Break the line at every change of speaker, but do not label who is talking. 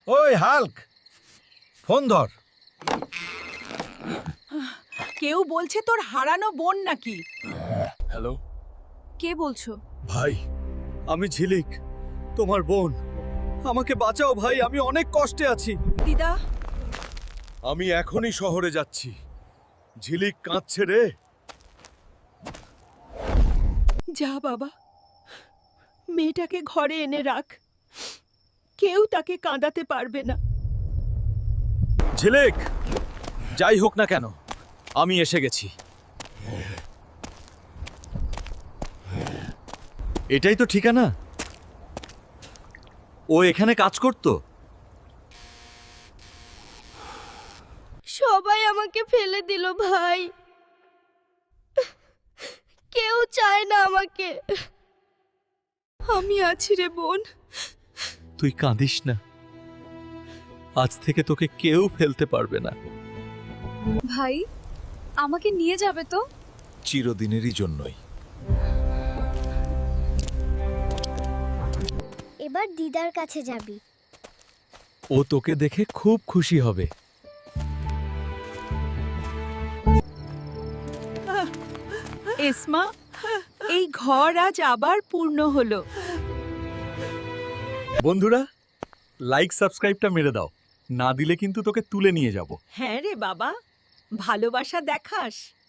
ওই Hulk, phone ধর।
কেউ বলছে তোর হারানো বোন নাকি?
হ্যালো
কে বলছো?
ভাই, আমি ঝিলিক, তোমার বোন। আমাকে বাঁচাও ভাই, আমি অনেক কষ্টে আছি।
দিদা,
আমি এখনই শহরে যাচ্ছি। ঝিলিক কাঁদছে রে।
যা বাবা, মেয়েটাকে ঘরে এনে রাখ। কেউ তাকে কাঁদাতে পারবে না।
ঝিলিক, যাই হোক না কেন, আমি এসে গেছি। এটাই তো ঠিকানা। ও এখানে কাজ করতো।
সবাই আমাকে ফেলে দিল ভাই। কেউ চায় না আমাকে।
আমি আছি রে বোন।
তুই কাঁদিস না, আজ থেকে তোকে কেউ ফেলতে পারবে না।
ভাই, আমাকে নিয়ে যাবে তো?
চিরদিনেরই জন্যই।
এবার দিদার কাছে যাবি।
ও তোকে দেখে খুব খুশি হবে।
এসমা, এই ঘর আজ আবার পূর্ণ হলো।
বন্ধুরা, লাইক সাবস্ক্রাইবটা মেরে দাও, না দিলে কিন্তু তোকে তুলে নিয়ে যাব।
হ্যাঁ রে বাবা, ভালোবাসা দেখাস।